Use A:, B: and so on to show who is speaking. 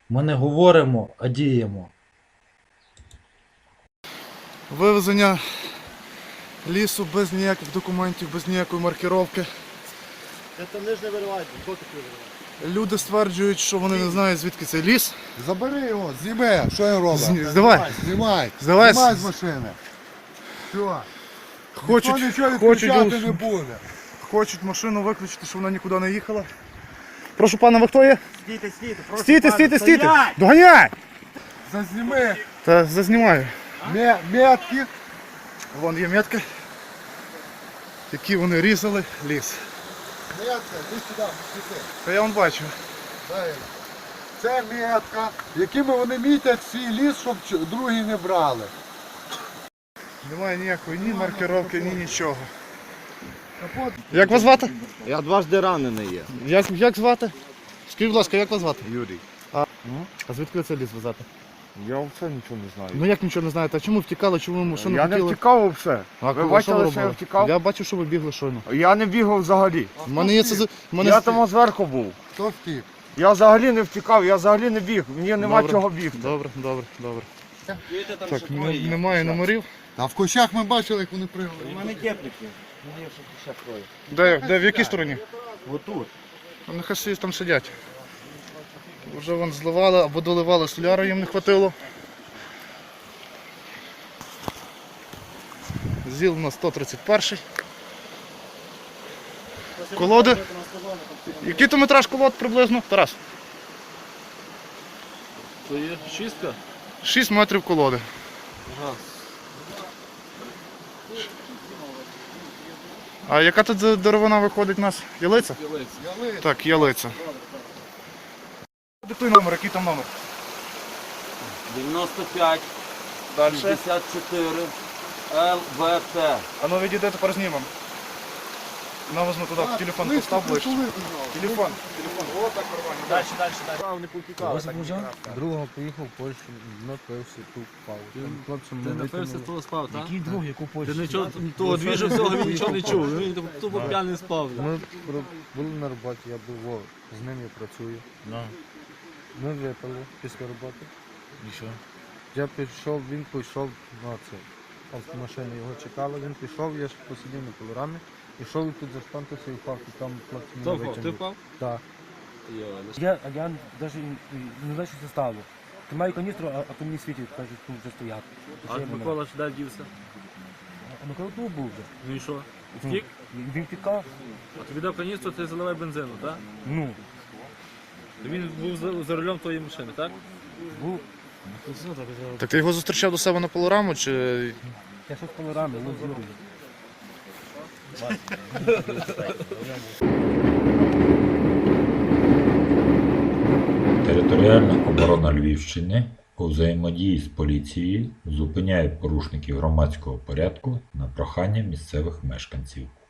A: Ми не говоримо, а діємо.
B: Вивезення лісу без ніяких документів, без ніякої маркировки.
C: Це нижне виривають, хто таке вириває?
B: Люди стверджують, що вони не знають, звідки цей ліс.
D: Забери його, зніми, що він робить?
B: Здавай.
D: Знімай,
B: Здавай.
D: знімай з машини. Все.
B: Хочуть,
D: Ніхто нічого
B: хочуть,
D: відключати не буде.
B: хочуть машину виключити, щоб вона нікуди не їхала. Прошу пана, ви хто є?
C: Стійте, стійте, прошу
B: Стійте,
C: пана,
B: стійте, стійте!
C: стоять!
B: Доганяй!
D: Зазніми
B: Та зазнімаю.
D: метки.
B: Вон є метки, які вони різали ліс.
D: Метка, ти сюди, сюди.
B: Та я вон бачу.
D: Дай. Це метка, якими вони мітять свій ліс, щоб другі не брали.
B: Немає ніякої ні маркировки, ні нічого. Як вас звати?
C: Я дважди ранений є.
B: Як звати? Скажіть, будь ласка, як вас звати?
C: Юрій.
B: А звідки ви це ліс везете?
D: Я взагалі нічого не знаю.
B: Ну як нічого не знаєте, а чому втікали, чому ви машину
D: Я не
B: хотіли?
D: втікав взагалі.
B: А
D: Ви
B: що
D: бачили, що я
B: робили?
D: втікав?
B: Я бачив, що ви бігли щойно.
D: Я не бігав взагалі.
B: У мене є це...
D: Я там зверху був.
E: Хто втік?
D: Я взагалі не втікав, я взагалі не біг. Мені нема
B: Добре.
D: чого бігти.
B: Добре, добре, добре. Так, немає номерів.
E: А в кущах ми бачили, як вони пригали.
C: У мене теплики. У мене ще кроє.
B: Де, в якій стороні?
C: Отут.
B: Ну, нехай всі там сидять. Вже вон зливали або доливали соляри, їм не хватило. ЗІЛ у нас 131. Колоди. Який то метраж колод приблизно? Тарас?
F: То є шістка?
B: 6 метрів колоди.
F: Ага.
B: А яка тут деревина виходить у нас? Ялиця?
F: Ялець.
B: Так, ялиця. Диктуй номер, який там номер?
F: 95,
B: Далі.
F: 64, ЛВТ.
B: А ну відійде, тепер знімемо. Навозьму туди, телефон постав ближче. Телефон. О, так нормально.
A: Другого поїхав в Польщу, напився, тут впав. Хлопцям
F: Ти
A: не
F: напився,
A: витягнули.
F: того спав, так?
A: Який друг, яку Польщу?
F: Ти нічого, того двіжу всього він нічого не чув. Він тупо п'яний спав.
A: Ми були на роботі, я був з ним, я працюю. Ми випили після роботи. І що? Я пішов, він пішов, ну це, автомашина його чекала, він пішов, я ж посидів на пилорамі, пішов і тут заштантився і впав, і там хлопці
F: Хто
A: мене
F: впав? Ти
A: витягнули.
F: впав?
A: Так.
G: Я навіть не знаю, що це стало. Тримаю каністру, а то мені світять, кажуть, тут вже стоять.
F: А Микола ж де дівся?
G: А Микола тут був вже.
F: Ну і що? Втік?
G: Він втікав.
F: А тобі дав каністру, ти заливай бензину, так?
G: Ну,
F: Він був за рулем твоєї машини, так?
G: був.
B: Так ти його зустрічав до себе на пилораму, чи...
G: Я щось пилорами, ну з Юрою.
H: Територіальна оборона Львівщини у взаємодії з поліцією зупиняє порушників громадського порядку на прохання місцевих мешканців.